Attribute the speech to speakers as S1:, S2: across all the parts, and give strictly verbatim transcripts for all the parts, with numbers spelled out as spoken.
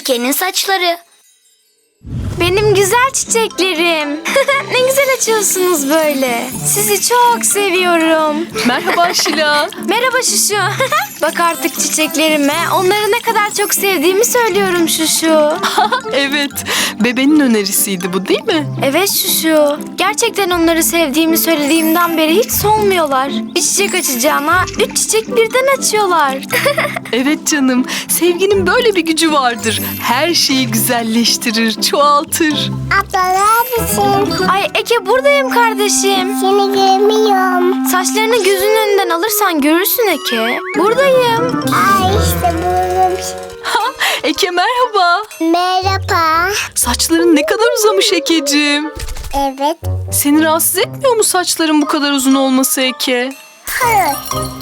S1: Eke'nin saçları.
S2: Benim güzel çiçeklerim. Ne güzel açıyorsunuz böyle. Sizi çok seviyorum.
S3: Merhaba Şila.
S2: Merhaba Şuşu. Bak artık çiçeklerime. Onları ne kadar çok sevdiğimi söylüyorum Şuşu.
S3: Evet, bebenin önerisiydi bu değil mi?
S2: Evet Şuşu. Gerçekten onları sevdiğimi söylediğimden beri hiç solmuyorlar. Bir çiçek açacağına üç çiçek birden açıyorlar.
S3: Evet canım, sevginin böyle bir gücü vardır. Her şeyi güzelleştirir, çoğaltır.
S4: Abla neredesin?
S2: Ay Eke buradayım kardeşim.
S4: Seni görmüyorum.
S2: Saçlarını gözünün önünden alırsan görürsün Eke. Buradayım.
S4: Ay işte buldum.
S3: Ha, Eke merhaba.
S4: Merhaba.
S3: Saçların ne kadar uzamış Ekeciğim.
S4: Evet.
S3: Seni rahatsız etmiyor mu saçların bu kadar uzun olması Eke?
S4: Hayır.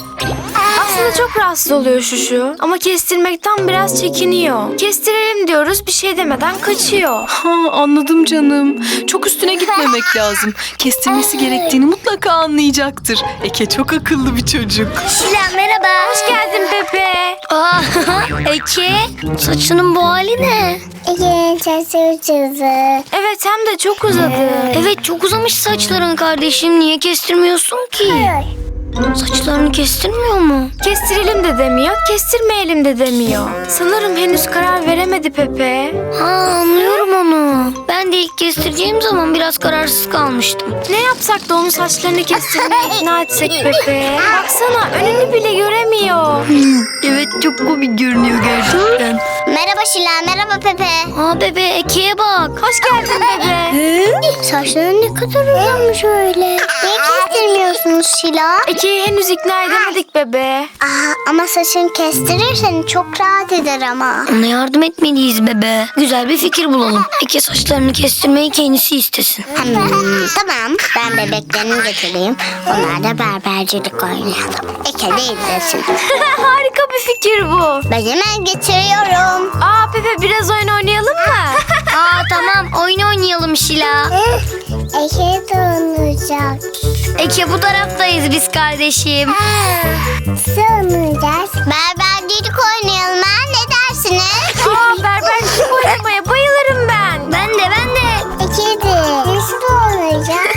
S2: Aslında çok rahatsız oluyor Şuşu. Ama kestirmekten biraz çekiniyor. Kestirelim diyoruz bir şey demeden kaçıyor.
S3: Ha, anladım canım. Çok üstüne gitmemek lazım. Kestirmesi gerektiğini mutlaka anlayacaktır. Eke çok akıllı bir çocuk.
S1: Şila merhaba.
S2: Hoş geldin Pepe.
S1: Aa, Eke, saçının bu hali ne?
S4: Ege'nin sesi uçurdu.
S2: Evet hem de çok uzadı.
S1: Evet çok uzamış saçların kardeşim. Niye kestirmiyorsun ki?
S4: Hayır.
S1: Saçlarını kestirmiyor mu?
S2: Kestirelim de demiyor, kestirmeyelim de demiyor. Sanırım henüz karar veremedi Pepe.
S1: Ha anlıyorum onu. Ben de ilk kestireceğim zaman biraz kararsız kalmıştım.
S2: Ne yapsak da onun saçlarını kestirmeye ikna etsek Pepe? Baksana önünü bile göremiyor.
S1: Evet çok komik görünüyor gerçekten.
S4: Merhaba Şila, merhaba Pepe.
S1: Aa bebe Eke'ye bak.
S2: Hoş geldin Pepe.
S4: Saçların ne kadar uzamış öyle. Niye kestirmiyorsunuz Şila?
S2: Eke'yi henüz ikna edemedik bebe.
S4: Aa, ama saçını kestirirsen çok rahat eder ama.
S1: Ona yardım etmeliyiz bebe. Güzel bir fikir bulalım. Eke saçlarını kestirmeyi kendisi istesin.
S4: Hmm, tamam, ben bebeklerini getireyim. Onlar da berbercilik oynayalım. Eke de izlesin.
S2: Harika bir fikir bu.
S4: Ben hemen getiriyorum.
S2: Aa Pepe biraz oyun oynayalım mı?
S1: Aa tamam oyun oynayalım Şila.
S4: Eke de olacak.
S1: Eke bu taraftayız biz kardeşim.
S4: Sığınacağız. Berbercilik oynayalım ha, ne dersiniz?
S2: Aa berbercilik oynamaya bayılırım ben.
S1: Ben de ben de.
S4: Eke de. Nasıl olacak?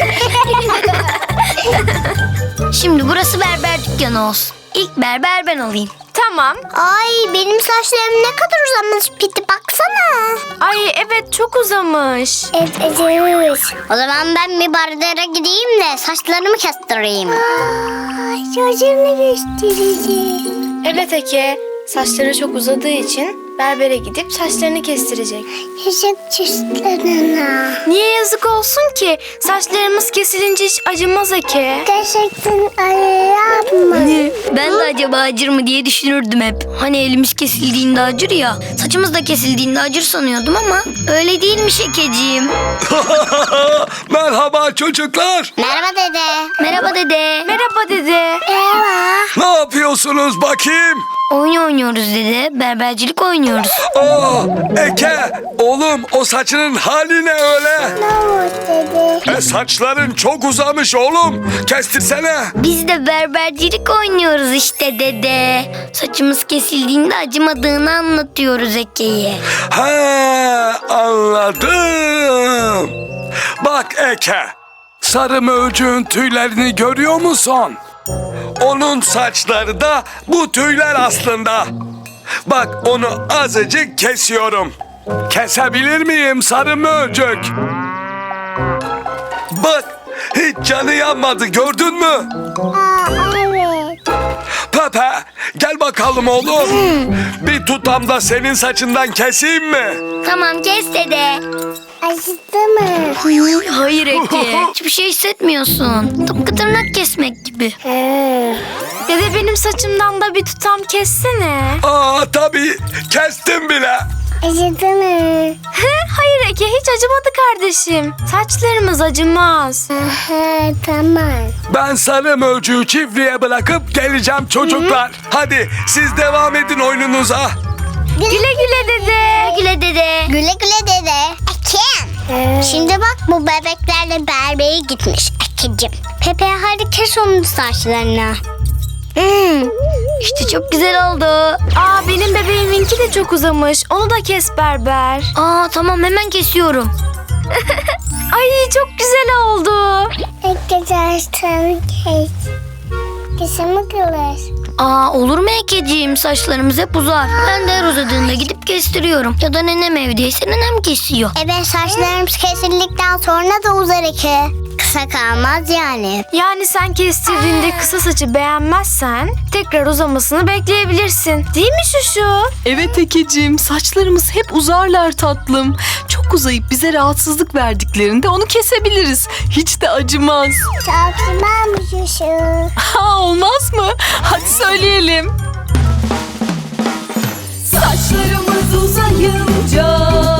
S1: Şimdi burası berber dükkanı olsun. İlk berber ben olayım.
S2: Tamam.
S4: Ay benim saçlarım ne kadar uzamış Piti, baksana.
S2: Ay evet çok uzamış.
S4: Evet, evet. O zaman ben bir berbere gideyim de saçlarımı kestireyim. Ay saçlarını kestireceğim.
S2: Evet Eke. Saçları çok uzadığı için berbere gidip saçlarını kestirecek.
S4: Küçük çizgilerine.
S2: Niye yazık olsun ki? Saçlarımız kesilince hiç acımaz Eke.
S4: Gerçekten ayırma.
S1: Ben de acaba acır mı diye düşünürdüm hep. Hani elimiz kesildiğinde acır ya. Saçımız da kesildiğinde acır sanıyordum ama öyle değilmiş Ekeciğim.
S5: Merhaba çocuklar.
S4: Merhaba dede.
S1: Merhaba dede.
S2: Merhaba dede.
S4: Merhaba.
S5: Ne yapıyorsunuz bakayım?
S1: Oyun oynuyoruz dede. Berbercilik oynuyoruz.
S5: Aa, Eke, oğlum o saçının hali ne öyle?
S4: Ne oldu dede?
S5: E saçların çok uzamış oğlum. Kestirsene.
S1: Biz de berbercilik oynuyoruz işte dede. Saçımız kesildiğinde acımadığını anlatıyoruz Eke'ye.
S5: Ha, anladım. Bak Eke, sarı möcüğün tüylerini görüyor musun? Onun saçları da bu tüyler aslında. Bak onu azıcık kesiyorum. Kesebilir miyim sarı möcük? Bak hiç canı yanmadı, gördün mü?
S4: Aa evet.
S5: Pepe gel bakalım oğlum. Bir tutam da senin saçından keseyim mi?
S1: Tamam kes dede.
S4: Acıdı mı?
S1: Hayır Eke. Hiçbir şey hissetmiyorsun. Tıpkı tırnak kesmek gibi.
S4: He.
S2: Dede benim saçımdan da bir tutam kessene.
S5: Aa tabii kestim bile.
S4: Acıdı mı?
S2: Hayır Eke hiç acımadı kardeşim. Saçlarımız acımaz.
S4: Aha tamam.
S5: Ben sarı möcüğü çiftliğe bırakıp geleceğim çocuklar. Hadi siz devam edin oyununuza.
S2: Güle güle dede.
S1: Güle dede.
S4: Güle güle dede. Ekin. Şimdi bak bu bebeklerle berbere gitmiş Ekin'cim. Pepe hadi kes onun saçlarını. Hmm.
S1: İşte çok güzel oldu.
S2: Aa, benim bebeğiminki de çok uzamış. Onu da kes berber.
S1: Aa tamam, hemen kesiyorum.
S2: Ay, çok güzel oldu.
S4: Arkadaşlar kes. Kesimi kılır.
S1: Aa olur mu Ekeciğim? Saçlarımız hep uzar. Ben de her uzadığında gidip kestiriyorum. Ya da nenem evdeyse nenem kesiyor.
S4: Evet, saçlarımız kesildikten sonra da uzar Eke. Kısa kalmaz yani.
S2: Yani sen kestirdiğinde kısa saçı beğenmezsen tekrar uzamasını bekleyebilirsin. Değil mi Şuşu?
S3: Evet Ekeciğim, saçlarımız hep uzarlar tatlım. Çok uzayıp bize rahatsızlık verdiklerinde onu kesebiliriz. Hiç de acımaz.
S4: Çok güzelmiş şu.
S3: Ha, olmaz mı? Hadi söyleyelim.
S6: Saçlarımız uzayınca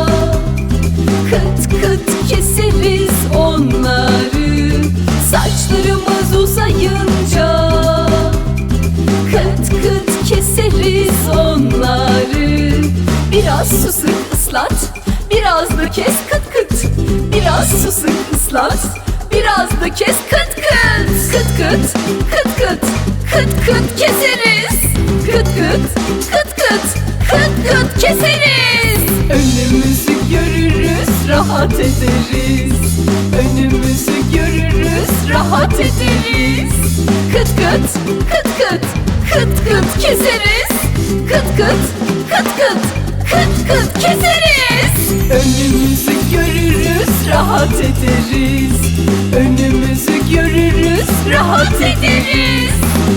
S6: kıt kıt keseriz onları. Saçlarımız uzayınca kıt kıt keseriz onları. Biraz su sık ıslat, biraz da kes kıt kıt. Biraz su sık ıslat, biraz da kes kıt kıt. Kıt kıt, kıt kıt, kıt kıt keseriz. Kıt kıt, kıt kıt, kıt kıt keseriz. Önümüzü görürüz, rahat ederiz. Önümüzü görürüz, rahat ederiz. Kıt kıt, kıt kıt, kıt kıt keseriz. Kıt kıt, kıt kıt, kıt kıt keseriz. Önümüzü görürüz, rahat ederiz. Önümüzü görürüz, rahat ederiz.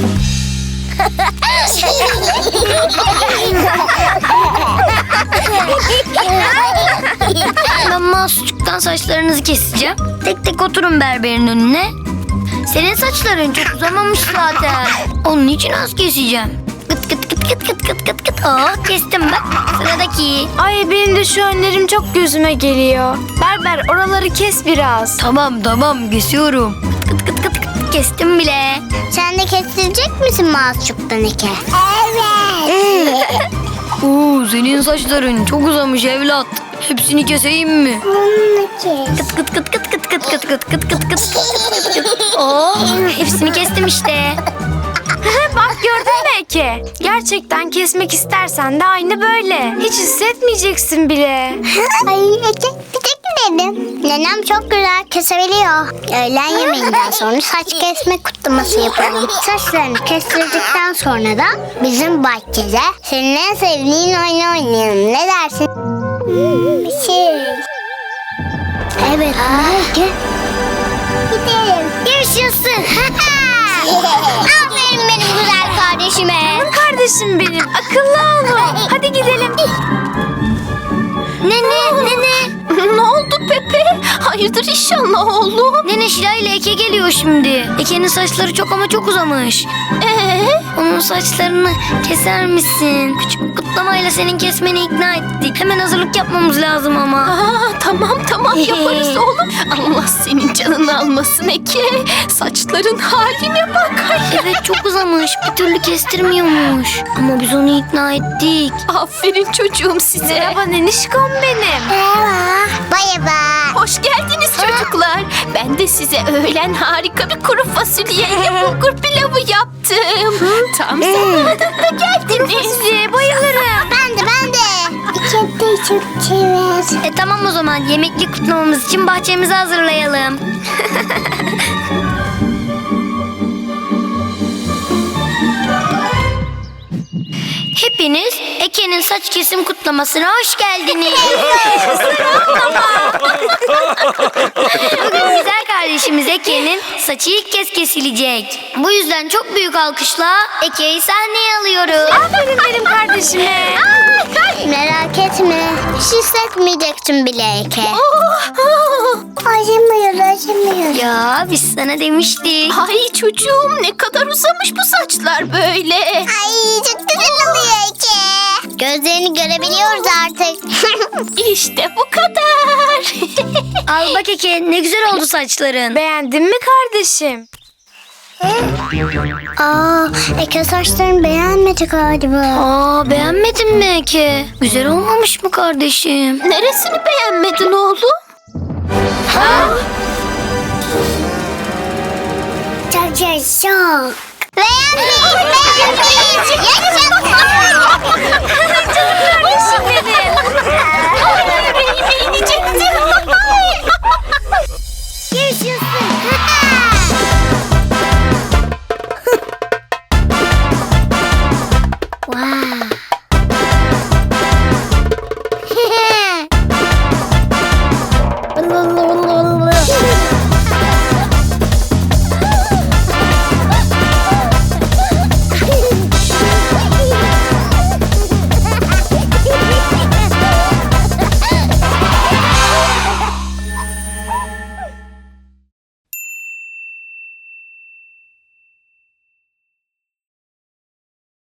S1: Ben Masumcuk'tan saçlarınızı keseceğim. Tek tek oturun berberin önüne. Senin saçların çok uzamamış zaten. Onun için az keseceğim. Kıt kıt kıt kıt kıt kıt kıt kıt. Aa, kestim bak. Sıradaki.
S2: Ay, benim de şu önlerim çok gözüme geliyor. Berber, oraları kes biraz.
S1: Tamam tamam, kesiyorum. Kıt kıt kıt kıt kıt kestim bile.
S4: Sen de kestirecek misin Masçuk'tan Eke? Evet.
S1: Oo, senin saçların çok uzamış evlat. Hepsini keseyim mi?
S4: Bunu kes.
S1: Kıt kıt kıt kıt kıt kıt kıt kıt kıt kıt kıt kıt kıt. Oo, hepsini kestim işte.
S2: Bak, gördün mü Eke? Gerçekten kesmek istersen de aynı böyle. Hiç hissetmeyeceksin bile.
S4: Ay Eke, bir tek dedim. Nenem çok güzel kesebiliyor. Öğlen yemeğinden sonra saç kesme kutlaması yapalım. Saçlarını kestirdikten sonra da bizim bahçede senin en sevdiğin oyunu oynayalım. Ne dersin? Hmm, bir şey. Evet, Eke. Gidelim. Görüşürsün. Aferin benim güzel kardeşime.
S2: Kardeşim benim, akıllı olun. Hadi gidelim.
S1: Nene nene.
S6: Ne oldu Pepe? Hayırdır inşallah oğlum?
S1: Nene Şila ile Eke geliyor şimdi. Eke'nin saçları çok ama çok uzamış.
S6: Ee?
S1: Onun saçlarını keser misin? Küçük bir kutlamayla senin kesmeni ikna ettik. Hemen hazırlık yapmamız lazım ama.
S6: Aa, tamam tamam yaparız oğlum. Allah senin canını almasın Eke. Saçların haline bak. Ay.
S1: Evet, çok uzamış. Bir türlü kestirmiyormuş. Ama biz onu ikna ettik.
S6: Aferin çocuğum size.
S2: Merhaba nenişkom benim.
S4: Merhaba. Bay bay.
S6: Hoş geldiniz çocuklar. Ben de size öğlen harika bir kuru fasulyeyle bulgur pilavı yaptım. Tam zamanında geldiniz.
S2: Bayılırım.
S4: Ben de ben de. İçeride çok sever.
S1: E tamam, o zaman yemekli kutlamamız için bahçemizi hazırlayalım. Hepiniz Eke'nin saç kesim kutlamasına hoş geldiniz. Bugün güzel kardeşimiz Eke'nin saçı ilk kez kesilecek. Bu yüzden çok büyük alkışla Eke'yi sahneye alıyoruz.
S2: Aferin benim kardeşime.
S4: Merak etme. Hiç hissetmeyeceksin bile Eke. Acımıyor, acımıyor.
S1: Ya biz sana demiştik.
S6: Ay çocuğum ne kadar uzamış bu saçlar böyle.
S4: Ay çok güzel oluyor Eke. Gözlerini görebiliyoruz artık.
S6: İşte bu kadar.
S1: Al bak Eke, ne güzel oldu saçların.
S2: Beğendin mi kardeşim?
S4: Aa, Eke saçlarını beğenmedi galiba.
S1: Aa, beğenmedin mi Eke? Güzel olmamış mı kardeşim?
S6: Neresini beğenmedin oğlum?
S4: Çok çok çok. Beğenmeyiz, beğenmeyiz. Yaşasın.
S2: Canım kardeşim benim.
S6: Yüreğime inecekti.